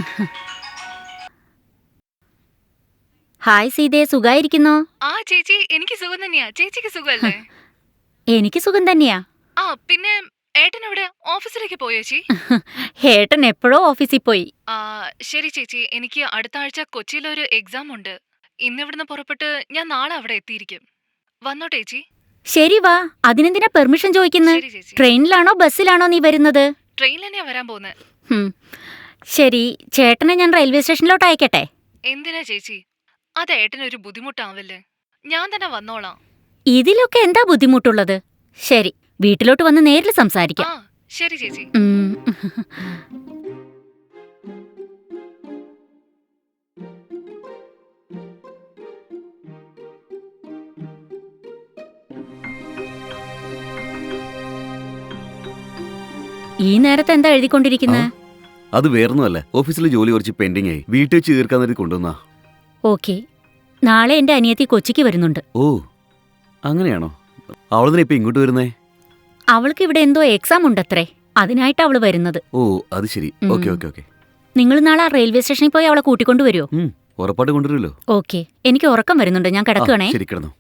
Hi സീതേ, സുഖായിരിക്കുന്നോ? ആ ചേച്ചി, എനിക്ക് സുഖം തന്നെയാ. ചേച്ചിക്ക് സുഖല്ലേ? എനിക്ക് സുഖം തന്നെയാ. ആ പിന്നെ ഏട്ടൻ എവിടെ? ഓഫീസിലേക്ക് പോയോ ചേച്ചി? ഏട്ടൻ എപ്പോഴോ ഓഫീസിൽ പോയി. ആ ശരി ചേച്ചി, എനിക്ക് അടുത്ത ആഴ്ച കൊച്ചിയിലൊരു എക്സാം ഉണ്ട്. ഇന്നിവിടുന്ന് പുറപ്പെട്ട് ഞാൻ നാളെ അവിടെ എത്തിയിരിക്കും. വന്നോട്ടെ ചേച്ചി? ശരി വാ, അതിനെന്തിനാ പെർമിഷൻ ചോദിക്കുന്നത്? ശരി ചേച്ചി. ട്രെയിനിലാണോ ബസ്സിലാണോ നീ വരുന്നത്? ട്രെയിനിൽ തന്നെയാ വരാൻ പോകുന്നത്. ശരി, ചേട്ടനെ ഞാൻ റെയിൽവേ സ്റ്റേഷനിലോട്ട് അയക്കട്ടെ? എന്തിനാ ചേച്ചി? അത് ഏട്ടനൊരു ബുദ്ധിമുട്ടാവില്ലേ? ഞാൻ തന്നെ വന്നോളാം. ഇതിലൊക്കെ എന്താ ബുദ്ധിമുട്ടുള്ളത്? ശരി, വീട്ടിലോട്ട് വന്ന് നേരിൽ ആ സംസാരിക്കാം. ശരി ചേച്ചി. ഉം. ഈ നേരത്തെ എന്താ എഴുതിക്കൊണ്ടിരിക്കുന്നത്? അത് വേറൊന്നുമല്ല, ഓഫീസിലെ ജോലി കുറച്ച് പെൻഡിങ് ആയി, വീട്ടിൽ വെച്ച് തീർക്കാൻ നേരത്തെ കൊണ്ടുവന്നാ. ഓക്കെ, നാളെ എന്റെ അനിയത്തി കൊച്ചിക്ക് വരുന്നുണ്ട്. ഓ അങ്ങനെയാണോ? അവളെന്തിനാ ഇപ്പൊ ഇങ്ങോട്ട് വരുന്നേ? അവൾക്ക് ഇവിടെ എന്തോ എക്സാം ഉണ്ടത്രേ, അതിനായിട്ട് അവള് വരുന്നത്. ഓ അത് ശരി. Okay okay okay. നിങ്ങൾ നാളെ റെയിൽവേ സ്റ്റേഷനിൽ പോയി അവളെ കൂട്ടിക്കൊണ്ടുവരുമോ? ഉറപ്പായിട്ട് കൊണ്ടുവരുമല്ലോ. ഓക്കെ, എനിക്ക് ഉറക്കം വരുന്നുണ്ട്, ഞാൻ കിടക്കുകയാണേ. ശരി, കിടന്നു.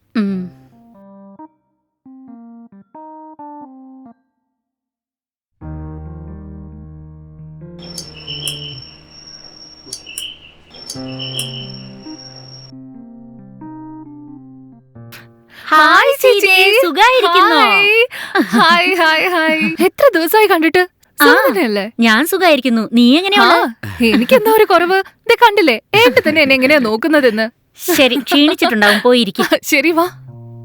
ഹായ് സീതേ, സുഖായിരിക്കുന്നോ? Hi hi hi. എത്ര ദിവസമായി കണ്ടിട്ട്? സുഖം തന്നെയല്ലേ? ഞാൻ സുഖായിരിക്കുന്നു, നീ എങ്ങനെയാണ്? എനിക്കെന്താ ഒരു കുറവ്? ഇത് കണ്ടില്ലേ ഏട്ടൻ തന്നെ എന്നെ എങ്ങനെയാ നോക്കുന്നതെന്ന്. ശരി, ക്ഷീണിച്ചിട്ടുണ്ടാവും, പോയിരിക്കും. ശരി വാ.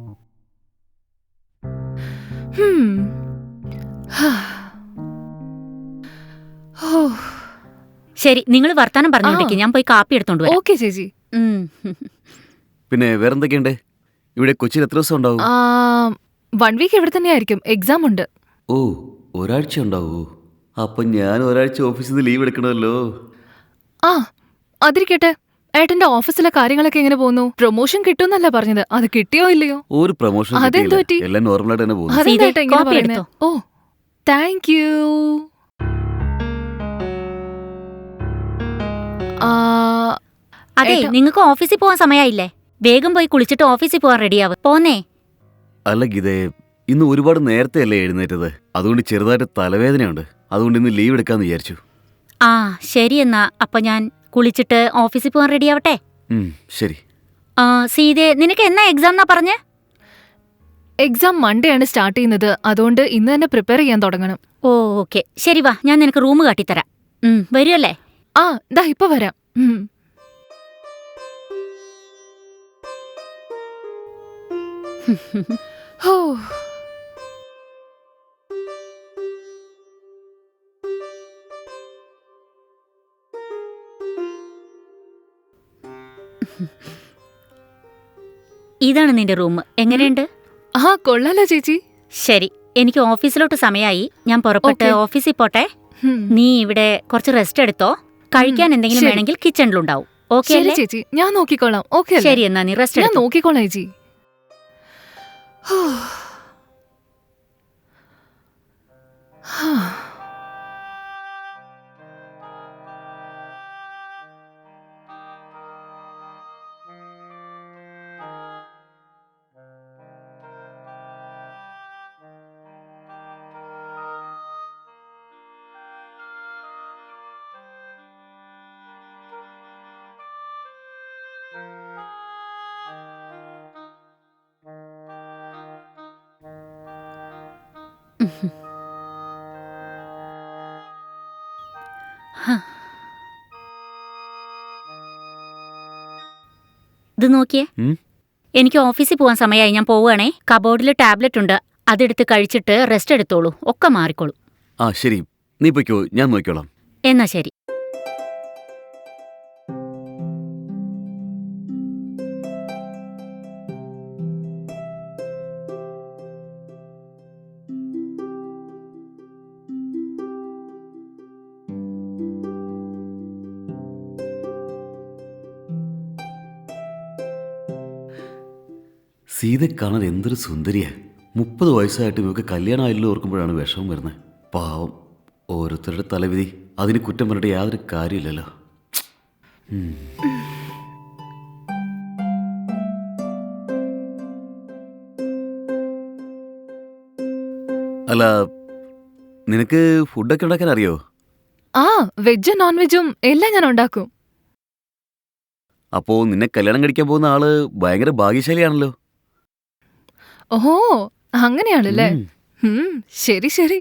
ശരി, നിങ്ങൾ വർത്താനം പറഞ്ഞോണ്ടിരിക്കും, ഞാൻ പോയി കാപ്പി എടുത്തോണ്ട് വരാം. ഓക്കെ ചേച്ചി. പിന്നെ വേറെന്തൊക്കെയുണ്ട്? ഇവിടെ കൊച്ചിയിൽ എത്ര ദിവസം ഉണ്ടാവും? 1 വീക്ക് ഇവിടെ തന്നെയായിരിക്കും. എക്സാം ഉണ്ട്. ഓ ഒരാഴ്ച ഉണ്ടാവൂ. അപ്പൊ ഞാൻ ഒരാഴ്ച ഓഫീസിൽ നിന്ന് ലീവ് എടുക്കണമല്ലോ. ആ അതിരിക്കട്ടെ, ഏട്ടന്റെ ഓഫീസിലെ കാര്യങ്ങളൊക്കെ എങ്ങനെ പോകുന്നു? പ്രൊമോഷൻ കിട്ടുമെന്നല്ല പറഞ്ഞത്, അത് കിട്ടിയോ ഇല്ലയോ? ഒരു പ്രൊമോഷൻ അതെന്ത് പറ്റി? എല്ലാം നോർമലായിട്ട് തന്നെ പോകുന്നു. അതെന്താ ഏട്ടാ ഇങ്ങനെ കോപ്പി പറയുന്നേ? എടുത്തോ? ഓ താങ്ക് യു. അതെ, നിങ്ങൾക്ക് ഓഫീസിൽ പോവാൻ സമയമായില്ലേ? വേഗം പോയി കുളിച്ചിട്ട് ഓഫീസിൽ പോവാൻ റെഡിയാവും. പോന്നേ. അല്ല ഗീതേ, ഇന്ന് ഒരുപാട് നേരത്തെ അല്ലേ എഴുന്നേറ്റത്, അതുകൊണ്ട് ചെറുതായിട്ട് തലവേദനയുണ്ട്. അതുകൊണ്ട് ഇന്ന് ലീവ് എടുക്കാന്ന് വിചാരിച്ചു. ആ ശരി, എന്നാ അപ്പൊ ഞാൻ കുളിച്ചിട്ട് ഓഫീസിൽ പോവാൻ റെഡിയാവട്ടെ. ശരി. സീതേ, നിനക്ക് എന്നാ എക്സാം എന്നാ പറഞ്ഞേ? എക്സാം മൺഡേ ആണ് സ്റ്റാർട്ട് ചെയ്യുന്നത്, അതുകൊണ്ട് ഇന്ന് തന്നെ പ്രിപ്പയർ ചെയ്യാൻ തുടങ്ങണം. ഓ ഓക്കെ, ശരി വാ, ഞാൻ നിനക്ക് റൂം കാട്ടിത്തരാം. വരുമല്ലേ? ആ ദാ ഇപ്പൊ വരാം. ഹോ ഇതാണ് നിന്റെ റൂം, എങ്ങനെയുണ്ട്? ആ കൊള്ളാലോ ചേച്ചി. ശരി, എനിക്ക് ഓഫീസിലോട്ട് സമയമായി, ഞാൻ പുറപ്പെട്ട് Okay. ഓഫീസിൽ പോട്ടെ. നീ ഇവിടെ കുറച്ച് റെസ്റ്റ് എടുത്തോ, കഴിക്കാൻ എന്തെങ്കിലും ശരി. വേണമെങ്കിൽ കിച്ചണിലുണ്ടാവും. ഓക്കെ ശരി അല്ലേ? ചേച്ചി, ഞാൻ നോക്കിക്കോളാം. ഓക്കെ ശരി, എന്നാ നീ റെസ്റ്റ് ഞാൻ എടുത്തോ. നോക്കിക്കോളാം ചേച്ചി. ഇത് നോക്കിയേ, എനിക്ക് ഓഫീസിൽ പോവാൻ സമയമായി, ഞാൻ പോവുകയാണേ. കബോർഡിൽ ടാബ്ലറ്റ് ഉണ്ട്, അതെടുത്ത് കഴിച്ചിട്ട് റെസ്റ്റ് എടുത്തോളൂ, ഒക്കെ മാറിക്കോളൂ. ആ ശരി, നീ പൊയ്ക്കോ, ഞാൻ നോക്കിക്കോളാം. എന്നാ ശരി. സീത കാണാൻ എന്തൊരു സുന്ദരിയാ. 30 വയസ്സായിട്ട് ഇവർക്ക് കല്യാണം ആയില്ലോ ഓർക്കുമ്പോഴാണ് വിഷമം വരുന്നത്. പാവം, ഓരോരുത്തരുടെ തലവിധി, അതിന് കുറ്റം പറഞ്ഞിട്ട് യാതൊരു കാര്യമില്ലല്ലോ. ഉം. അല്ല, നിനക്ക് ഫുഡൊക്കെ ഉണ്ടാക്കാൻ അറിയോ? ആ, വെജും നോൺ വെജും എല്ലാം ഞാൻ ഉണ്ടാക്കും. അപ്പോ നിന്നെ കല്യാണം കഴിക്കാൻ പോകുന്ന ആള് ഭയങ്കര ഭാഗ്യശാലിയാണല്ലോ. ഓഹോ, അങ്ങനെയാണല്ലേ? ഉം. ശരി ശരി.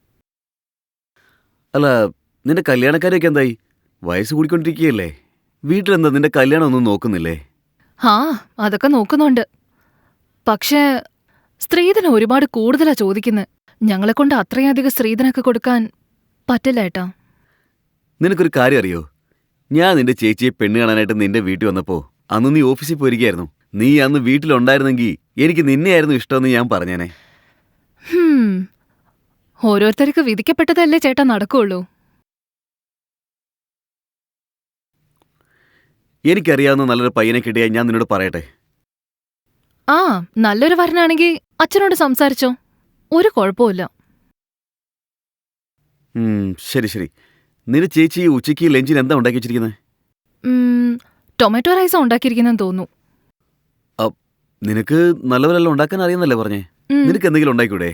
അല്ല, നിന്റെ കല്യാണക്കാരൊക്കെ എന്തായി? വയസ്സ് കൂടിക്കൊണ്ടിരിക്കുകയല്ലേ? വീട്ടിലെന്താ നിന്റെ കല്യാണം ഒന്നും നോക്കുന്നില്ലേ? ആ, അതൊക്കെ നോക്കുന്നുണ്ട്. പക്ഷേ സ്ത്രീധനം ഒരുപാട് കൂടുതലാ ചോദിക്കുന്നത്. ഞങ്ങളെ കൊണ്ട് അത്രയധികം സ്ത്രീധനൊക്കെ കൊടുക്കാൻ പറ്റില്ല ഏട്ടാ. നിനക്കൊരു കാര്യം അറിയോ? ഞാൻ നിന്റെ ചേച്ചിയെ പെണ്ണ് കാണാനായിട്ട് നിന്റെ വീട്ടിൽ വന്നപ്പോ അന്ന് നീ ഓഫീസിൽ പോയിരിക്കായിരുന്നു. നീ അന്ന് വീട്ടിലുണ്ടായിരുന്നെങ്കിൽ എനിക്ക് നിന്നെയായിരുന്നു ഇഷ്ടമെന്ന് ഞാൻ പറഞ്ഞേനെ. ഹും, ഓരോരുത്തർക്ക് വിധിക്കപ്പെട്ടതല്ലേ ചേട്ടാ നടക്കുള്ളൂ. എനിക്കറിയാവുന്ന നല്ലൊരു പയ്യനെ കിട്ടിയാൽ ഞാൻ നിന്നോട് പറയട്ടെ. ആ, നല്ലൊരു വരനാണെങ്കിൽ അച്ഛനോട് സംസാരിച്ചോ, ഒരു കുഴപ്പമില്ല. ശരി ശരി. നിന്റെ ചേച്ചി ഉച്ചയ്ക്ക് ലഞ്ചിന് എന്താ ഉണ്ടാക്കി വെച്ചിരിക്കുന്നത്? ടൊമാറ്റോ റൈസാ ഉണ്ടാക്കിയിരിക്കുന്നെന്ന് തോന്നുന്നു. നിനക്ക് നല്ലവരെല്ലാം ഉണ്ടാക്കാൻ അറിയാന്നല്ലേ പറഞ്ഞേ? ഉം, നിനക്ക് എന്തെങ്കിലും ഉണ്ടായിക്കൂടെ?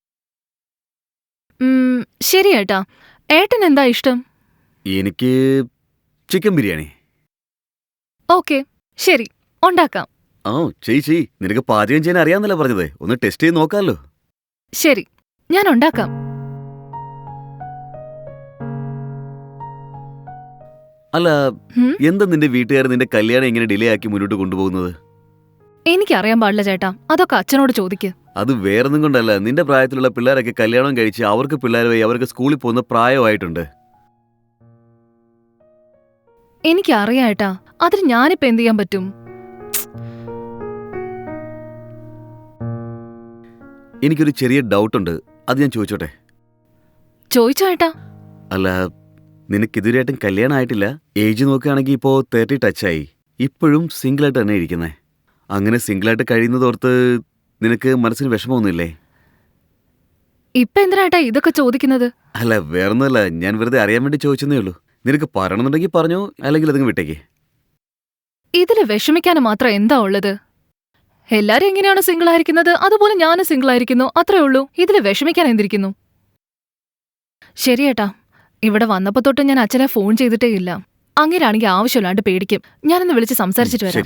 ശരി ഏട്ടാ. ഏട്ടൻ എന്താ ഇഷ്ടം? എനിക്ക് ചിക്കൻ ബിരിയാണി. ഓക്കെ, ശരി, ഉണ്ടാക്കാം. ആ, ചേച്ചി നിനക്ക് പാചകം ചെയ്യാൻ അറിയാന്നല്ലേ പറഞ്ഞത്? ഒന്ന് ടെസ്റ്റ് ചെയ്ത് നോക്കാമല്ലോ. ശരി, ഞാൻ ഉണ്ടാക്കാം. അല്ല, ഉം, എന്താ നിന്റെ വീട്ടുകാർ നിന്റെ കല്യാണം എങ്ങനെ ഡിലേ ആക്കി മുന്നോട്ട് കൊണ്ടുപോകുന്നത്? എനിക്കറിയാൻ പാടില്ല ചേട്ടാ, അതൊക്കെ അച്ഛനോട് ചോദിക്ക്. അത് വേറൊന്നും കൊണ്ടല്ല. നിന്റെ പ്രായത്തിലുള്ള പിള്ളേരൊക്കെ കല്യാണം കഴിച്ച് അവർക്ക് പിള്ളേരുമായി അവർക്ക് സ്കൂളിൽ പോകുന്ന പ്രായമായിട്ടുണ്ട്. എനിക്കറിയാം ഏട്ടാ, അതിന് ഞാനിപ്പോ എന്ത് ചെയ്യാൻ പറ്റും? എനിക്കൊരു ചെറിയ ഡൗട്ടുണ്ട്, അത് ഞാൻ ചോദിച്ചോട്ടെ? ചോദിച്ചോ ഏട്ടാ. അല്ല, നിനക്ക് ഇതുവരെയായിട്ടും കല്യാണം ആയിട്ടില്ല. ഏജ് നോക്കുകയാണെങ്കിൽ ഇപ്പോൾ 30 ടച്ചായി. ഇപ്പോഴും സിംഗിളായിട്ട് തന്നെ ഇരിക്കുന്നേ. അങ്ങനെ സിംഗിളായിട്ട് കഴിയുന്നതോർത്ത് നിനക്ക് മനസ്സിന് വിഷമമൊന്നുമില്ലേ? ഇപ്പൊ എന്തിനാ ഏട്ടാ ഇതൊക്കെ ചോദിക്കുന്നത്? അല്ല, വേറൊന്നുമല്ല, ഞാൻ വെറുതെ അറിയാൻ വേണ്ടി ചോദിച്ചെന്നേ ഉള്ളൂ. നിനക്ക് പറയണമെന്നുണ്ടെങ്കിൽ പറഞ്ഞോ, അല്ലെങ്കിൽ അതങ്ങ് വിട്ടേക്ക്. ഇതില് വിഷമിക്കാൻ മാത്രം എന്താ ഉള്ളത്? എല്ലാരും എങ്ങനെയാണ് സിംഗിൾ ആയിരിക്കുന്നത് അതുപോലെ ഞാനും സിംഗിൾ ആയിരിക്കുന്നു, അത്രേ ഉള്ളൂ. ഇതില് വിഷമിക്കാൻ എന്തിരിക്കുന്നു? ശരിയേട്ടാ, ഇവിടെ വന്നപ്പോ തൊട്ട് ഞാൻ അച്ഛനെ ഫോൺ ചെയ്തിട്ടേ ഇല്ല. അങ്ങനെയാണെങ്കിൽ ആവശ്യമില്ലാണ്ട് പേടിക്കും. ഞാനൊന്ന് വിളിച്ച് സംസാരിച്ചിട്ട് വരാം. ശരി.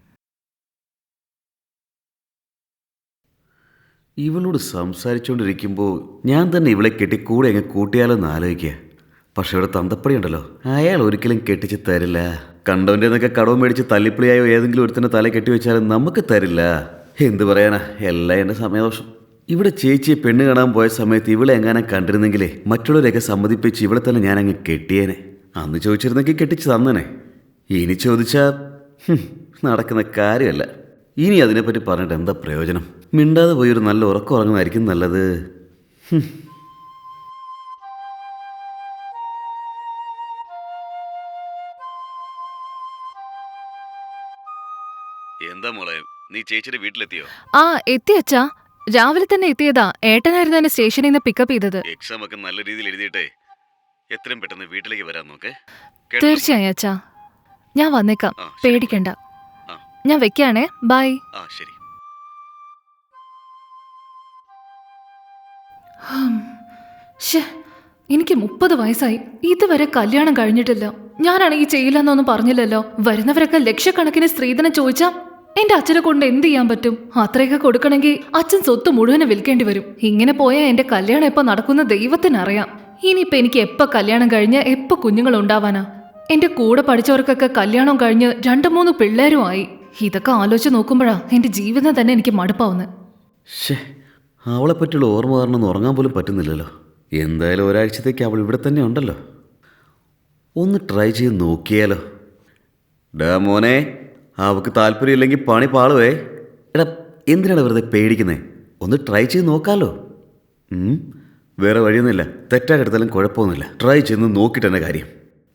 ഇവളോട് സംസാരിച്ചുകൊണ്ടിരിക്കുമ്പോൾ ഞാൻ തന്നെ ഇവളെ കെട്ടി കൂടെ അങ്ങ് കൂട്ടിയാലോ എന്ന് ആലോചിക്കുക. പക്ഷെ ഇവിടെ തന്തപ്പടി ഉണ്ടല്ലോ, അയാൾ ഒരിക്കലും കെട്ടിച്ച് തരില്ല. കണ്ടവൻ്റെ എന്നൊക്കെ കടവും മേടിച്ച് തല്ലിപ്പിളിയായോ ഏതെങ്കിലും ഒരുത്തന്നെ തല കെട്ടിവെച്ചാലും നമുക്ക് തരില്ല. എന്ത് പറയാനാ, എല്ലാം എൻ്റെ സമയദോഷം. ഇവിടെ ചേച്ചിയെ പെണ്ണ് കാണാൻ പോയ സമയത്ത് ഇവളെ എങ്ങാനും കണ്ടിരുന്നെങ്കിലേ മറ്റുള്ളവരെയൊക്കെ സമ്മതിപ്പിച്ച് ഇവിടെ തന്നെ ഞാനങ്ങ് കെട്ടിയേനെ. അന്ന് ചോദിച്ചിരുന്നെങ്കിൽ കെട്ടിച്ച് തന്നനെ. ഇനി ചോദിച്ചാൽ നടക്കുന്ന കാര്യമല്ല. ഇനി അതിനെപ്പറ്റി പറഞ്ഞിട്ട് എന്താ പ്രയോജനം? മിണ്ടാതെ പോയി ഒരു നല്ല ഉറക്കം ഉറങ്ങുന്നതായിരിക്കും നല്ലത്. എന്താ മോളെ, നീ ചേച്ചിയുടെ വീട്ടിലെത്തിയോ? ആ, എത്തി അച്ഛാ. രാവിലെ തന്നെ എത്തിയതാ. ഏട്ടനായിരുന്നു എന്നെ സ്റ്റേഷനിൽ നിന്ന് പിക്കപ്പ് ചെയ്തത്. എക്സാം ഒക്കെ നല്ല രീതിയിൽ എഴുതിയിട്ടേ എത്രയും പെട്ടെന്ന് വീട്ടിലേക്ക് വരാൻ നോക്കേ. തീർച്ചയായും അച്ഛാ, ഞാൻ വന്നേക്കാം, ആ, ശരി. പേടിക്കണ്ട. ആ. ഞാൻ വെക്കാണേ, ബൈ. ആ, ശരി. ശ്ശേ, എനിക്ക് 30 വയസ്സായി, ഇതുവരെ കല്യാണം കഴിഞ്ഞിട്ടില്ല. ഞാനാണെങ്കിൽ ചെയ്യില്ലെന്നൊന്നും പറഞ്ഞില്ലല്ലോ. വരുന്നവരൊക്കെ ലക്ഷക്കണക്കിന് സ്ത്രീധനം ചോദിച്ചാ എന്റെ അച്ഛനെ കൊണ്ട് എന്ത് ചെയ്യാൻ പറ്റും? അത്രയൊക്കെ കൊടുക്കണമെങ്കിൽ അച്ഛൻ സ്വത്ത് മുഴുവനെ വിൽക്കേണ്ടി വരും. ഇങ്ങനെ പോയാൽ എന്റെ കല്യാണം എപ്പോ നടക്കുന്ന ദൈവത്തിനറിയാം. ഇനിയിപ്പോ എനിക്ക് എപ്പോ കല്യാണം കഴിഞ്ഞ് എപ്പോ കുഞ്ഞുങ്ങൾ ഉണ്ടാവാനാ? എന്റെ കൂടെ പഠിച്ചവർക്കൊക്കെ കല്യാണം കഴിഞ്ഞ് 2-3 പിള്ളേരും ആയി. ഇതൊക്കെ ആലോചിച്ച് നോക്കുമ്പോഴാ എന്റെ ജീവിതം തന്നെ എനിക്ക് മടുപ്പാവുന്നത്. അവളെ പറ്റിയുള്ള ഓർമ്മ കാരണം ഉറങ്ങാൻ പോലും പറ്റുന്നില്ലല്ലോ. എന്തായാലും ഒരാഴ്ചത്തേക്ക് അവൾ ഇവിടെ തന്നെ ഉണ്ടല്ലോ. ഒന്ന് ട്രൈ ചെയ്ത് നോക്കിയാലോ? ഡാ മോനെ, അവൾക്ക് താല്പര്യമില്ലെങ്കിൽ പണി പാളുവേ. എടാ, എന്തിനാണ് വെറുതെ പേടിക്കുന്നത്? ഒന്ന് ട്രൈ ചെയ്ത് നോക്കാമല്ലോ. വേറെ വഴിയൊന്നുമില്ല. തെറ്റായിട്ടെടുത്താലും കുഴപ്പമൊന്നുമില്ല. ട്രൈ ചെയ്ത് നോക്കിയിട്ട് തന്നെ കാര്യം.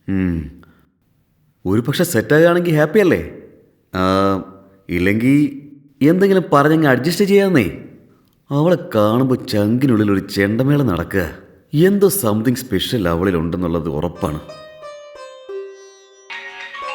ഒരു പക്ഷെ സെറ്റാകുകയാണെങ്കിൽ ഹാപ്പി അല്ലേ? ഇല്ലെങ്കിൽ എന്തെങ്കിലും പറഞ്ഞങ്ങ് അഡ്ജസ്റ്റ് ചെയ്യാമെന്നേ. അവളെ കാണുമ്പോൾ ചങ്കിനുള്ളിൽ ഒരു ചെണ്ടമേള നടക്കുക. എന്തോ സംതിങ് സ്പെഷ്യൽ അവളിലുണ്ടെന്നുള്ളത് ഉറപ്പാണ്.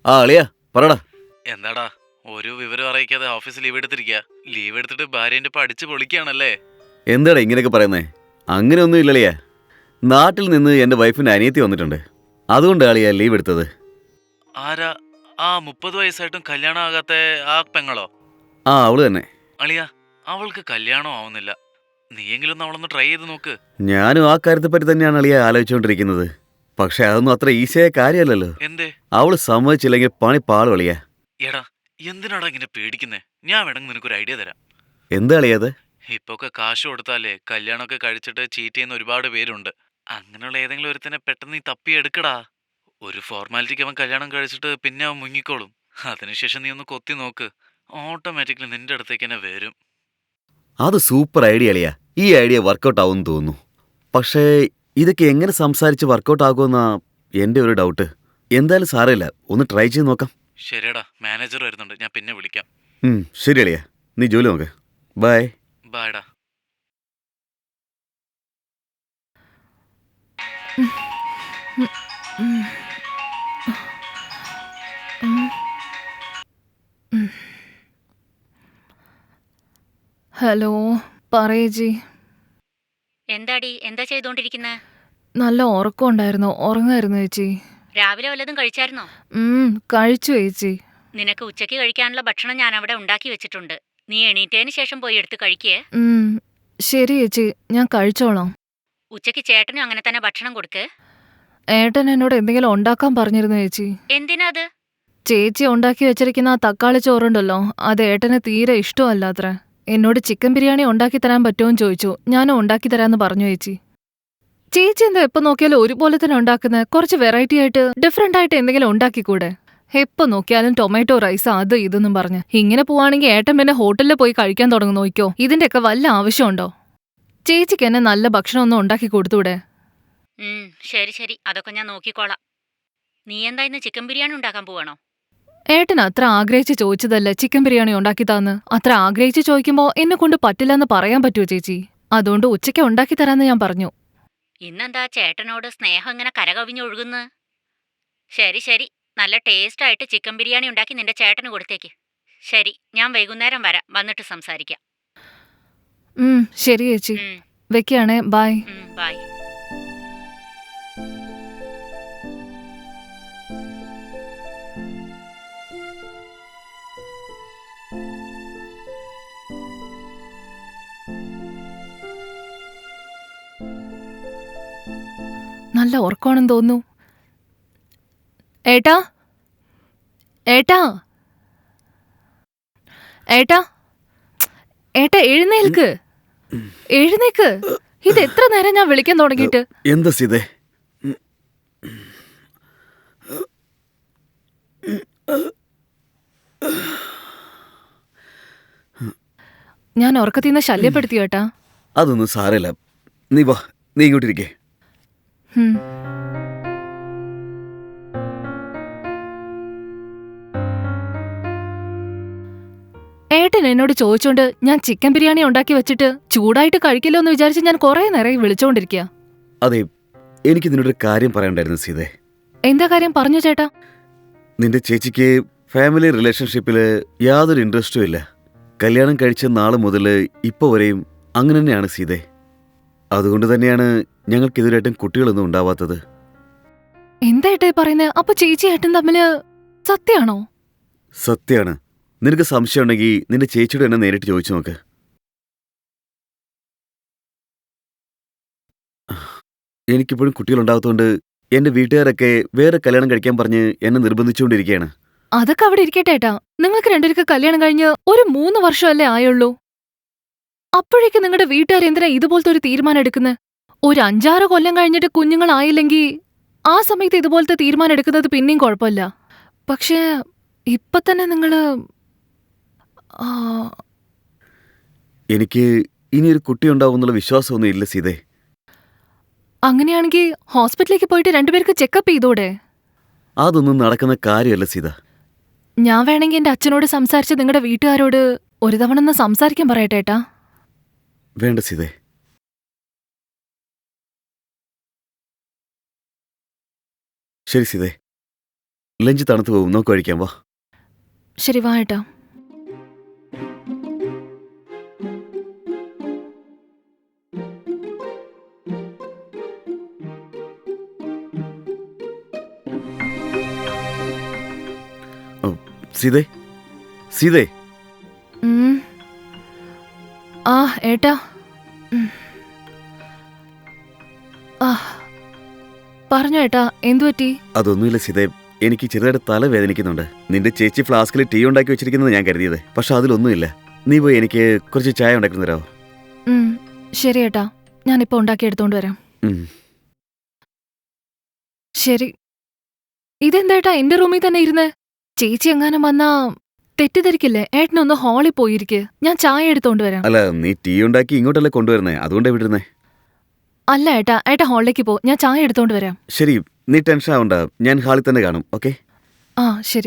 ആ അളിയാ പറടാ. എന്താടാ ഒരു വിവരം അറിയിക്കാതെ ഓഫീസ് ലീവ് എടുത്തിരിക്കുക. ലീവ് എടുത്തിട്ട് ഭാര്യന്റെ ഒപ്പം അടിച്ച് പൊളിക്കുകയാണല്ലേ? എന്താടാ ഇങ്ങനെയൊക്കെ പറയുന്നേ? അങ്ങനെയൊന്നും ഇല്ലളിയാ. നാട്ടിൽ നിന്ന് എൻ്റെ വൈഫിൻ്റെ അനിയത്തി വന്നിട്ടുണ്ട്. അതുകൊണ്ട് അളിയാ ലീവ് എടുത്തത്. ആരാ ആ 30 വയസ്സായിട്ടും കല്യാണം ആകാത്ത ആ പെങ്ങളോ? ആ അവള് തന്നെ. അളിയാ, അവൾക്ക് കല്യാണം ആവുന്നില്ല. നീയെങ്കിലും ഒന്ന് അവളൊന്ന് ട്രൈ ചെയ്ത് നോക്ക്. ഞാനും ആ കാര്യത്തെപ്പറ്റി തന്നെയാണ് അളിയാ ആലോചിച്ചുകൊണ്ടിരിക്കുന്നത്. പക്ഷെ അതൊന്നും അത്ര ഈസിയായ കാര്യമല്ലല്ലോ. എന്തേ? അവള് സമ്മതിച്ചില്ലെങ്കിൽ പണി പാള് കളിയാ. എടാ, എന്തിനാടാ ഇങ്ങനെ പേടിക്കുന്നേ? ഞാൻ വേണമെങ്കിൽ നിനക്കൊരു ഐഡിയ തരാം. എന്താ അളിയത്? ഇപ്പൊക്കെ കാശ് കൊടുത്താലേ കല്യാണമൊക്കെ കഴിച്ചിട്ട് ചീറ്റ് ചെയ്യുന്ന ഒരുപാട് പേരുണ്ട്. അങ്ങനെയുള്ള ഏതെങ്കിലും ഒരുത്തനെ പെട്ടെന്ന് നീ തപ്പിയെടുക്കടാ. ഒരു ഫോർമാലിറ്റിക്ക് അവൻ കല്യാണം കഴിച്ചിട്ട് പിന്നെ അവൻ മുങ്ങിക്കോളും. അതിനുശേഷം നീ ഒന്ന് കൊത്തി നോക്ക്. ഓട്ടോമാറ്റിക്കലി നിന്റെ അടുത്തേക്ക് തന്നെ വരും. അത് സൂപ്പർ ഐഡിയ അളിയാ. ഈ ഐഡിയ വർക്കൗട്ട് ആവുമെന്ന് തോന്നുന്നു. പക്ഷേ ഇതൊക്കെ എങ്ങനെ സംസാരിച്ച് വർക്കൗട്ട് ആകുമെന്നാ എൻ്റെ ഒരു ഡൗട്ട്. എന്തായാലും സാരമില്ല, ഒന്ന് ട്രൈ ചെയ്ത് നോക്കാം. ശരിയടാ, മാനേജർ വരുന്നുണ്ട്, ഞാൻ പിന്നെ വിളിക്കാം. ശരി അളിയാ, നീ ജോലി നോക്ക്. ബൈ. ബായ്ഡാ. ഹലോ, പറയേച്ചി. എന്താടി എന്താ ചെയ്തോണ്ടിരിക്കുന്നത്? നല്ല ഉറക്കം ഉണ്ടായിരുന്നു, ഉറങ്ങായിരുന്നു ചേച്ചി. രാവിലെ വല്ലതും കഴിച്ചായിരുന്നോ? കഴിച്ചു ചേച്ചി. നിനക്ക് ഉച്ചയ്ക്ക് കഴിക്കാനുള്ള ഭക്ഷണം ഞാൻ അവിടെ ഉണ്ടാക്കി വെച്ചിട്ടുണ്ട്. നീ എണീറ്റതിന് ശേഷം പോയി എടുത്ത് കഴിക്കേ. ശരി ചേച്ചി, ഞാൻ കഴിച്ചോളാം. ഉച്ചയ്ക്ക് ചേട്ടനും അങ്ങനെ തന്നെ ഭക്ഷണം കൊടുക്ക്. ഏട്ടൻ എന്നോട് എന്തെങ്കിലും ഉണ്ടാക്കാൻ പറഞ്ഞിരുന്നു ചേച്ചി. എന്തിനാ അത്? ചേച്ചി ഉണ്ടാക്കി വെച്ചിരിക്കുന്ന ആ തക്കാളി ചോറുണ്ടല്ലോ, അത് ഏട്ടന് തീരെ ഇഷ്ടമല്ലാത്രേ. എന്നോട് ചിക്കൻ ബിരിയാണി ഉണ്ടാക്കി തരാൻ പറ്റുമോന്ന് ചോദിച്ചു. ഞാനും ഉണ്ടാക്കി തരാമെന്ന് പറഞ്ഞു ചേച്ചി. ചേച്ചി എന്താ എപ്പോൾ നോക്കിയാലും ഒരുപോലെ തന്നെ ഉണ്ടാക്കുന്നത്? കുറച്ച് വെറൈറ്റി ആയിട്ട് ഡിഫറെൻ്റ് ആയിട്ട് എന്തെങ്കിലും ഉണ്ടാക്കിക്കൂടെ? എപ്പോൾ നോക്കിയാലും ടൊമാറ്റോ റൈസ് അത് ഇതെന്നും പറഞ്ഞ് ഇങ്ങനെ പോവാണെങ്കിൽ ഏട്ടൻ പിന്നെ ഹോട്ടലിൽ പോയി കഴിക്കാൻ തുടങ്ങും. നോക്കിയോ, ഇതിൻ്റെയൊക്കെ വല്ല ആവശ്യമുണ്ടോ? ചേച്ചിക്ക് എന്നെ നല്ല ഭക്ഷണമൊന്നും ഉണ്ടാക്കി കൊടുത്തൂടെ? ശരി ശരി, അതൊക്കെ ഞാൻ നോക്കിക്കോളാം. നീ എന്താ ഇന്ന് ചിക്കൻ ബിരിയാണി ഉണ്ടാക്കാൻ പോവാണോ? ഏട്ടൻ അത്ര ആഗ്രഹിച്ച് ചോദിച്ചതല്ലേ ചിക്കൻ ബിരിയാണി ഉണ്ടാക്കി താന്ന്. അത്ര ആഗ്രഹിച്ച് ചോദിക്കുമ്പോൾ എന്നെ കൊണ്ട് പറ്റില്ലെന്ന് പറയാൻ പറ്റുമോ ചേച്ചി? അതുകൊണ്ട് ഉച്ചയ്ക്ക് ഉണ്ടാക്കി തരാമെന്ന് ഞാൻ പറഞ്ഞു. ഇന്നെന്താ ചേട്ടനോട് സ്നേഹം ഇങ്ങനെ കരകവിഞ്ഞൊഴുകുന്നു? ശരി ശരി, നല്ല ടേസ്റ്റായിട്ട് ചിക്കൻ ബിരിയാണി ഉണ്ടാക്കി നിന്റെ ചേട്ടന് കൊടുത്തേക്ക്. ശരി, ഞാൻ വൈകുന്നേരം വരാം, വന്നിട്ട് സംസാരിക്കാം. ശരി ചേച്ചി, വെക്കുകയാണേ. ബൈ. ബൈ. നല്ല ഉറക്കമാണെന്ന് തോന്നുന്നു. ഏട്ടാ, ഏട്ടാ, ഏട്ടാ, ഏട്ടാ, എഴുന്നേൽക്ക്, എഴുന്നേക്ക്. ഇത് എത്ര നേരം ഞാൻ വിളിക്കാൻ തുടങ്ങിയിട്ട്? എന്താ സീതേ? ഞാൻ ഉറക്കത്തിന്ന് ശല്യപ്പെടുത്തി ഏട്ടാ? അതൊന്നും സാരമില്ല. നീ വാ, നീ ഇങ്ങോട്ടിരിക്കേ. ഏട്ടൻ എന്നോട് ചോദിച്ചോണ്ട് ഞാൻ ചിക്കൻ ബിരിയാണി ഉണ്ടാക്കി വെച്ചിട്ട് ചൂടായിട്ട് കഴിക്കില്ലോ എന്ന് വിചാരിച്ച് ഞാൻ കുറെ നേരം വിളിച്ചോണ്ടിരിക്കുക. അതെ, എനിക്ക് നിന്നോടൊരു കാര്യം പറയണ്ടായിരുന്നു സീതേ. എന്താ കാര്യം? പറഞ്ഞു ചേട്ടാ. നിന്റെ ചേച്ചിക്ക് ഫാമിലി റിലേഷൻഷിപ്പിൽ യാതൊരു ഇൻട്രസ്റ്റും ഇല്ല. കല്യാണം കഴിച്ച നാള് മുതൽ ഇപ്പോൾ വരെയും അങ്ങനെ തന്നെയാണ് സീതേ. അതുകൊണ്ട് തന്നെയാണ് ഞങ്ങൾക്ക് ഇതുവരെയായിട്ടും കുട്ടികളൊന്നും ഉണ്ടാവാത്തത്. എന്താ ഏട്ടാ പറയുന്നത്? അപ്പൊ ചേച്ചി ഏട്ടൻ തമ്മില് സത്യാണോ? സത്യാണ്. നിനക്ക് സംശയം ഉണ്ടെങ്കിൽ നിന്റെ ചേച്ചിയോട് എന്നെ നേരിട്ട് ചോദിച്ചു നോക്ക്. എനിക്കിപ്പോഴും കുട്ടികളുണ്ടാകത്തോണ്ട് എന്റെ വീട്ടുകാരൊക്കെ വേറെ കല്യാണം കഴിക്കാൻ പറഞ്ഞ് എന്നെ നിർബന്ധിച്ചുകൊണ്ടിരിക്കുകയാണ്. അതൊക്കെ അവിടെ ഇരിക്കട്ടെ ഏട്ടാ. നിങ്ങൾക്ക് രണ്ടുപേർക്ക് കല്യാണം കഴിഞ്ഞ് ഒരു 3 വർഷമല്ലേ ആയുള്ളൂ. അപ്പോഴേക്ക് നിങ്ങളുടെ വീട്ടുകാർ എന്തിനാ ഇതുപോലത്തെ ഒരു തീരുമാനം എടുക്കുന്നത്? ഒരു 5-6 കൊല്ലം കഴിഞ്ഞിട്ട് കുഞ്ഞുങ്ങളായില്ലെങ്കിൽ ആ സമയത്ത് ഇതുപോലത്തെ തീരുമാനം എടുക്കുന്നത് പിന്നെയും കുഴപ്പമില്ല. പക്ഷേ ഇപ്പൊ തന്നെ നിങ്ങള് എനിക്ക് ഇനിയൊരു കുട്ടി ഉണ്ടാവുമെന്നുള്ള വിശ്വാസമൊന്നും ഇല്ല സീതേ. അങ്ങനെയാണെങ്കിൽ ഹോസ്പിറ്റലിലേക്ക് പോയിട്ട് രണ്ടുപേർക്ക് ചെക്കപ്പ് ചെയ്തോടെ? അതൊന്നും നടക്കുന്ന കാര്യമല്ല സീത. ഞാൻ വേണമെങ്കിൽ എന്റെ അച്ഛനോട് സംസാരിച്ച് നിങ്ങളുടെ വീട്ടുകാരോട് ഒരു തവണ ഒന്ന് സംസാരിക്കാൻ പറയട്ടെ ഏട്ടാ? വേണ്ട സീതേ. ശരി സീതേ. ലഞ്ച് തണുത്ത് പോകും, നോക്ക് കഴിക്കാം വാ. ശരി വാ ഏട്ടാ. സീതേ, സീതേ. ഉം. ആ ഏട്ടാ. ആ പറഞ്ഞു ഏട്ടാ, എന്തു പറ്റി? അതൊന്നുമില്ല സീതേ, എനിക്ക് ചെറുതായിട്ട് തല വേദനിക്കുന്നുണ്ട്. നിന്റെ ചേച്ചി ഫ്ലാസ്കിൽ ടീ ഉണ്ടാക്കി വെച്ചിരിക്കുന്നത് ഞാൻ കരുതിയത്, പക്ഷെ അതിലൊന്നുമില്ല. നീ പോയി എനിക്ക് കുറച്ച് ചായ ഉണ്ടാക്കി തരാമോ? ശരി ഏട്ടാ, ഞാനിപ്പോ ഉണ്ടാക്കി എടുത്തോണ്ട് വരാം. ശരി. ഇതെന്താ എന്റെ റൂമിൽ തന്നെ ഇരുന്ന്? ചേച്ചി എങ്ങാനും വന്നാ തെറ്റിദ്ധരിക്കില്ലേ? ഏട്ടനൊന്ന് ഹാളിൽ പോയിരിക്കെ, ഞാൻ ചായ എടുത്തോണ്ട് വരാം. അല്ല, നീ ടീ ഉണ്ടാക്കി ഇങ്ങോട്ടല്ലേ കൊണ്ടുവരുന്നേ, അതുകൊണ്ടാ വിട്ടിരുന്നേ. അല്ല ഏട്ടാ, ഏട്ടാ ഹാളിലേക്ക് പോ, ഞാൻ ചായ എടുത്തോണ്ട് വരാം. ശരി, നീ ടെൻഷൻ ആവണ്ട, ഞാൻ ഹാളിൽ തന്നെ കാണും. ഓക്കെ? ആ ശരി.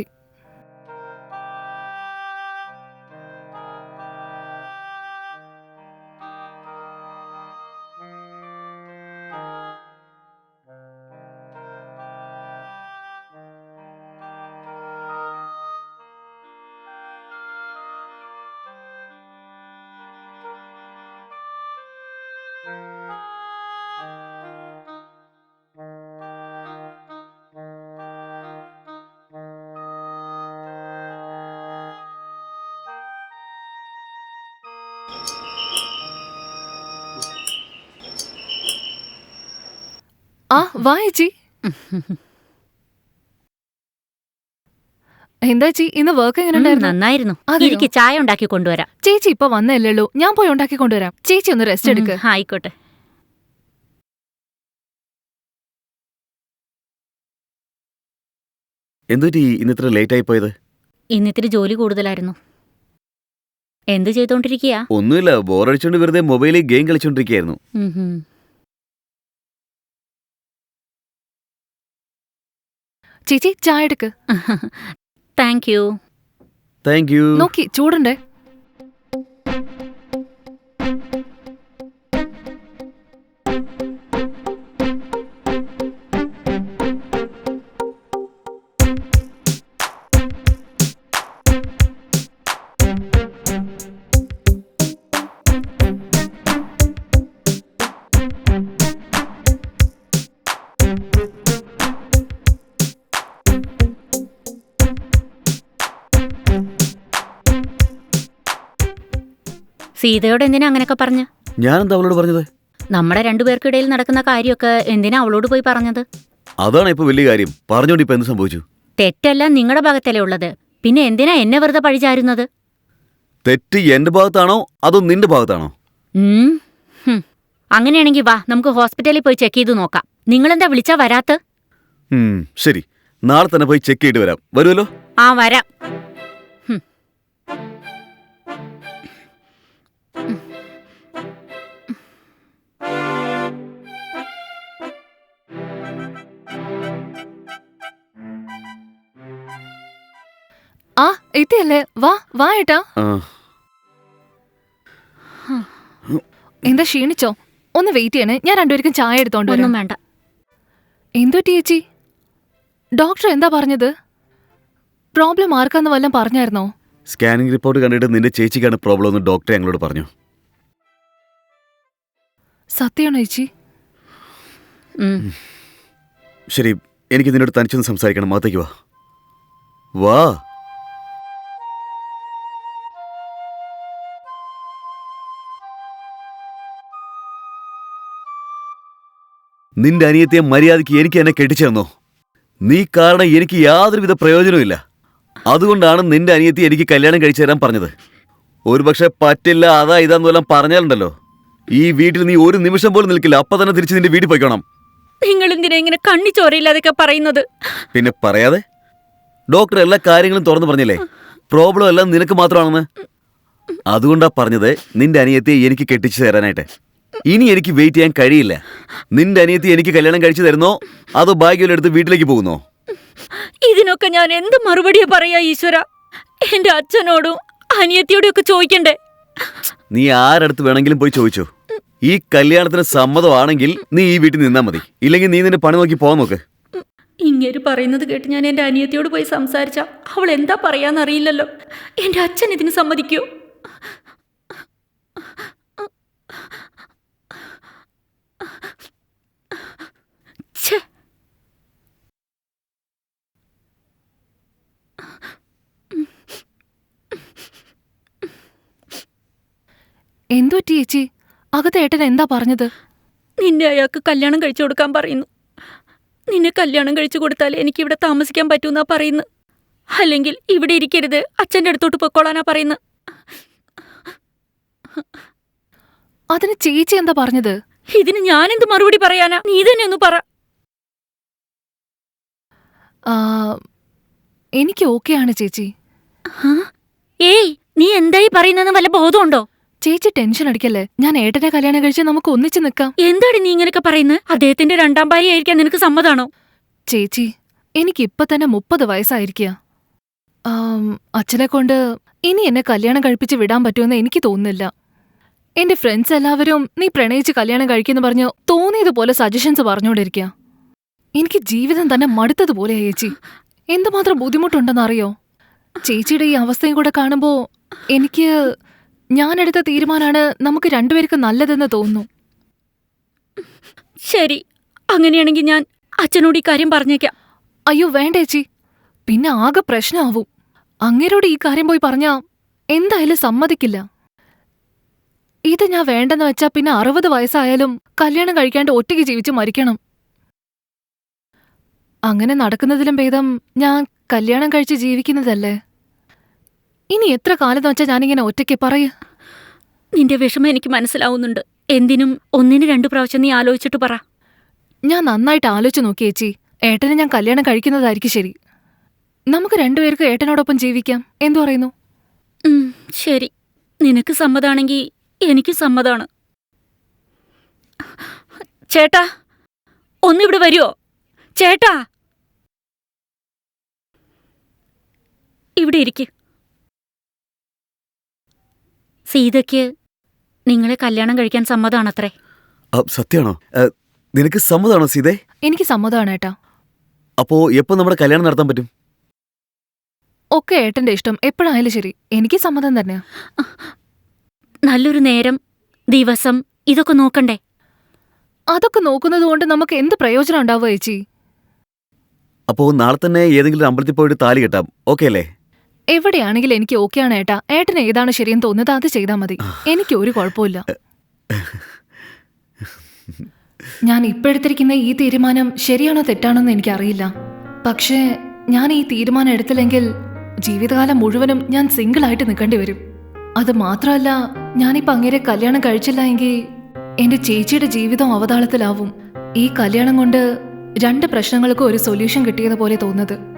ആ വാ ചേച്ചി. എന്താ ചേച്ചി, ഇന്ന് വർക്ക് എങ്ങനെ ഉണ്ടായിരുന്നു? നന്നായിരുന്നു. അതെയോ? എനിക്ക് ചായ ഉണ്ടാക്കി കൊണ്ടുവരാം. ചേച്ചി ഇപ്പൊ വന്നല്ലേ ഉള്ളൂ, ഞാൻ പോയി ഉണ്ടാക്കി കൊണ്ടുവരാം. ചേച്ചി ഒന്ന് റെസ്റ്റ് എടുക്ക്. ആയിക്കോട്ടെ. എന്തുപറ്റി ഇന്ന് ഇത്ര ലേറ്റ് ആയി പോയത്? ഇന്നിത്തിരി ജോലി കൂടുതലായിരുന്നു. എന്ത് ചെയ്തോണ്ടിരിക്കയാ? ഒന്നുമില്ല, ബോറടിച്ചോണ്ട് വെറുതെ മൊബൈലിൽ ഗെയിം കളിച്ചോണ്ടിരിക്കുകയായിരുന്നു. ചേച്ചി ചായ എടുക്ക്. Thank you. Thank you. നോക്കി ചൂടുണ്ടേ. സീതയോട് എന്തിനാ അങ്ങനെയൊക്കെ പറഞ്ഞ്? ഞാനെന്താ അവളോട് പറഞ്ഞത്? നമ്മുടെ രണ്ടുപേർക്കിടയിൽ നടക്കുന്ന കാര്യമൊക്കെ എന്തിനാ അവളോട് പോയി പറഞ്ഞത്? അതാണ് ഇപ്പൊ വലിയ കാര്യം. പറഞ്ഞോണ്ട് ഇപ്പൊ എന്ത് സംഭവിച്ചു? തെറ്റെല്ലാം നിങ്ങളുടെ ഭാഗത്തല്ലേ ഉള്ളത്, പിന്നെ എന്തിനാ എന്നെ വെറുതെ പഴിചാരുന്നത്? തെറ്റ് എന്റെ ഭാഗത്താണോ അതോ നിന്റെ ഭാഗത്താണോ? അങ്ങനെയാണെങ്കിൽ വാ, നമുക്ക് ഹോസ്പിറ്റലിൽ പോയി ചെക്ക് ചെയ്ത് നോക്കാം. നിങ്ങളെന്താ വിളിച്ചാ വരാത്ത? ശരി, നാളെ തന്നെ പോയി ചെക്ക് ചെയ്തിട്ട് വരാം. വരുമല്ലോ? ആ വരാം. ആ എത്തിയല്ലേ, വാ വാ ഏട്ടാ. എന്താ ക്ഷീണിച്ചോ? ഒന്ന് വെയിറ്റ് ചെയ്യണേ, ഞാൻ രണ്ടുപേർക്കും ചായ എടുത്തോണ്ട് വരാം. ഒന്നും വേണ്ട. എന്തുപറ്റി ചേച്ചി? ഡോക്ടർ എന്താ പറഞ്ഞത്? പ്രോബ്ലം ആർക്കാന്ന് വല്ലതും പറഞ്ഞായിരുന്നോ? സ്കാനിംഗ് റിപ്പോർട്ട് കണ്ടിട്ട് നിന്റെ ചേച്ചിക്കാണ് പ്രോബ്ലം എന്ന് ഡോക്ടർ ഞങ്ങളോട് പറഞ്ഞു. സത്യമാണോ ചേച്ചി? ശരി, എനിക്ക് നിന്നോട് തനിച്ചൊന്ന് സംസാരിക്കണം. അകത്തേക്ക് വാ. വാ. നിന്റെ അനിയത്തിയെ മര്യാദയ്ക്ക് എനിക്ക് എന്നെ കെട്ടിച്ചേർന്നോ? നീ കാരണം എനിക്ക് യാതൊരുവിധ പ്രയോജനവുമില്ല. അതുകൊണ്ടാണ് നിന്റെ അനിയത്തി എനിക്ക് കല്യാണം കഴിച്ചു തരാൻ പറഞ്ഞത്. ഒരുപക്ഷെ പറ്റില്ല, അതാ ഇതാന്ന് വല്ലതും പറഞ്ഞാലുണ്ടല്ലോ, ഈ വീട്ടിൽ നീ ഒരു നിമിഷം പോലും നിൽക്കില്ല. അപ്പൊ തന്നെ തിരിച്ച് നിന്റെ വീട്ടിൽ പോയിക്കണം. നിങ്ങൾ എന്തിനാ ഇങ്ങനെ കണ്ണി ചോരയില്ലാതൊക്കെ പറയുന്നത്? പിന്നെ പറയാതെ? ഡോക്ടർ എല്ലാ കാര്യങ്ങളും തുറന്നു പറഞ്ഞില്ലേ, പ്രോബ്ലം എല്ലാം നിനക്ക് മാത്രമാണെന്ന്. അതുകൊണ്ടാ പറഞ്ഞത് നിന്റെ അനിയത്തിയെ എനിക്ക് കെട്ടിച്ചു തരാനായിട്ട്. ഇനി എനിക്ക് വെയിറ്റ് ചെയ്യാൻ കഴിയില്ല. നിന്റെ അനിയത്തി എനിക്ക് കല്യാണം കഴിച്ചു തരുന്നോ അതോ ഭാഗ്യം എടുത്ത് വീട്ടിലേക്ക് പോകുന്നോ? ഇതിനൊക്കെ ഞാൻ എന്ത് മറുപടിയാ പറയാ ഈശ്വര? എന്റെ അച്ഛനോടും അനിയത്തിയോടും ഒക്കെ ചോദിക്കണ്ടേ? നീ ആരടുത്ത് വേണമെങ്കിലും പോയി ചോദിച്ചോ. ഈ കല്യാണത്തിന് സമ്മതമാണെങ്കിൽ നീ ഈ വീട്ടിൽ നിന്നാ മതി, ഇല്ലെങ്കിൽ നീ നിന്റെ പണി നോക്കി പോകാൻ നോക്ക്. ഇങ്ങേര് പറയുന്നത് കേട്ട് ഞാൻ എൻ്റെ അനിയത്തിയോട് പോയി സംസാരിച്ച അവൾ എന്താ പറയാന്നറിയില്ലല്ലോ. എൻ്റെ അച്ഛൻ ഇതിന് സമ്മതിക്കൂ? ഛേ, എന്തു പറ്റി ചേച്ചി? അകത്ത് ഏട്ടൻ എന്താ പറഞ്ഞത്? നിന്നെ അയാൾക്ക് കല്യാണം കഴിച്ചു കൊടുക്കാൻ പറയുന്നു. നിന്നെ കല്യാണം കഴിച്ചു കൊടുത്താൽ എനിക്കിവിടെ താമസിക്കാൻ പറ്റൂന്നാ പറയുന്നത്. അല്ലെങ്കിൽ ഇവിടെ ഇരിക്കരുത്, അച്ഛൻ്റെ അടുത്തോട്ട് പൊക്കോളാനാ പറയുന്നത്. അതിന് ചേച്ചി എന്താ പറഞ്ഞത്? ഇതിന് ഞാനെന്ത് മറുപടി പറയാനാ? നീ തന്നെ ഒന്ന് പറ. ആ, എനിക്ക് ഓക്കെയാണ് ചേച്ചി. ഏയ്, നീ എന്തായി പറയുന്നെന്ന് വല്ല ബോധമുണ്ടോ? ചേച്ചി ടെൻഷൻ അടിക്കല്ലേ. ഞാൻ ഏട്ടനെ കല്യാണം കഴിച്ച് നമുക്ക് ഒന്നിച്ച് നിൽക്കാം. എന്താണ് നീ ഇങ്ങനെയൊക്കെ പറയുന്നത്? അദ്ദേഹത്തിന്റെ രണ്ടാം ഭാര്യ ആയിരിക്കാൻ നിനക്ക് സമ്മതാണോ? ചേച്ചി, എനിക്കിപ്പൊ തന്നെ 30 വയസ്സായിരിക്കുക. അച്ഛനെ കൊണ്ട് ഇനി എന്നെ കല്യാണം കഴിപ്പിച്ച് വിടാൻ പറ്റുമെന്ന് എനിക്ക് തോന്നുന്നില്ല. എന്റെ ഫ്രണ്ട്സ് എല്ലാവരും നീ പ്രണയിച്ച് കല്യാണം കഴിക്കുന്നു പറഞ്ഞ് തോന്നിയതുപോലെ സജഷൻസ് പറഞ്ഞുകൊണ്ടിരിക്കുക. എനിക്ക് ജീവിതം തന്നെ മടുത്തതുപോലെയാ ചേച്ചി. എന്തുമാത്രം ബുദ്ധിമുട്ടുണ്ടെന്നറിയോ? ചേച്ചിയുടെ ഈ അവസ്ഥയും കൂടെ കാണുമ്പോ എനിക്ക് ഞാനെടുത്ത തീരുമാനമാണ് നമുക്ക് രണ്ടുപേർക്ക് നല്ലതെന്ന് തോന്നുന്നു. ശരി, അങ്ങനെയാണെങ്കിൽ ഞാൻ അച്ഛനോട് ഈ കാര്യം പറഞ്ഞേക്കാം. അയ്യോ വേണ്ട ചേച്ചി, പിന്നെ ആകെ പ്രശ്നമാവും. അങ്ങേരോട് ഈ കാര്യം പോയി പറഞ്ഞാ എന്തായാലും സമ്മതിക്കില്ല. ഇത് ഞാൻ വേണ്ടെന്ന് വെച്ചാ പിന്നെ 60 വയസ്സായാലും കല്യാണം കഴിക്കാണ്ട് ഒറ്റയ്ക്ക് ജീവിച്ച് മരിക്കണം. അങ്ങനെ നടക്കുന്നതിലും ഭേദം ഞാൻ കല്യാണം കഴിച്ച് ജീവിക്കുന്നതല്ലേ. ഇനി എത്ര കാലം വെച്ചാ ഞാനിങ്ങനെ ഒറ്റയ്ക്ക് പറയ്. നിന്റെ വിഷമം എനിക്ക് മനസ്സിലാവുന്നുണ്ട്. എന്തിനും ഒന്നിന് 2 പ്രാവശ്യം നീ ആലോചിച്ചിട്ട് പറ. ഞാൻ നന്നായിട്ട് ആലോചിച്ച് നോക്കി ചേച്ചി. ഏട്ടനെ ഞാൻ കല്യാണം കഴിക്കുന്നതായിരിക്കും ശരി. നമുക്ക് രണ്ടുപേർക്ക് ഏട്ടനോടൊപ്പം ജീവിക്കാം. എന്തു പറയുന്നു? ശരി, നിനക്ക് സമ്മതാണെങ്കിൽ എനിക്ക് സമ്മതാണ്. ചേട്ടാ, ഒന്നിവിടെ വരുമോ? ചേട്ടാ, ഇവിടെ ഇരിക്ക്. സീതയ്ക്ക് നിങ്ങളെ കല്യാണം കഴിക്കാൻ സമ്മതാണത്രേ. സത്യമാണോ? നിനക്ക് സമ്മതമാണോ സീതേ? എനിക്ക് സമ്മതമാണ് ഏട്ടാ. അപ്പോ എപ്പോ നമ്മുടെ കല്യാണം നടത്താൻ പറ്റും? ഒക്കെ ഏട്ടന്റെ ഇഷ്ടം. എപ്പോഴായാലും ശരി, എനിക്ക് സമ്മതം തന്നെയാ. നല്ലൊരു നേരം, ദിവസം ഇതൊക്കെ നോക്കണ്ടേ? അതൊക്കെ നോക്കുന്നത് കൊണ്ട് നമുക്ക് എന്ത് പ്രയോജനം ഉണ്ടാവുക ചേച്ചി? അപ്പോ നാളെ തന്നെ ഏതെങ്കിലും ഒരു അമ്പലത്തിൽ പോയിട്ട് താലി കെട്ടാം. ഓക്കെ അല്ലേ? എവിടെയാണെങ്കിലും എനിക്ക് ഓക്കെയാണ് ഏട്ടാ. ഏട്ടന് ഏതാണ് ശരിയെന്ന് തോന്നുന്നത് അത് ചെയ്താൽ മതി. എനിക്ക് ഒരു കുഴപ്പമില്ല. ഞാൻ ഇപ്പോഴെടുത്തിരിക്കുന്ന ഈ തീരുമാനം ശരിയാണോ തെറ്റാണോ എന്ന് എനിക്കറിയില്ല. പക്ഷേ ഞാൻ ഈ തീരുമാനം എടുത്തില്ലെങ്കിൽ ജീവിതകാലം മുഴുവനും ഞാൻ സിംഗിളായിട്ട് നിൽക്കേണ്ടി വരും. അത് മാത്രമല്ല, ഞാനിപ്പോൾ അങ്ങേരെ കല്യാണം കഴിച്ചില്ല എങ്കിൽ എന്റെ ചേച്ചിയുടെ ജീവിതം അവതാളത്തിലാവും. ഈ കല്യാണം കൊണ്ട് 2 പ്രശ്നങ്ങൾക്കും ഒരു സൊല്യൂഷൻ കിട്ടിയതുപോലെ തോന്നുന്നത്.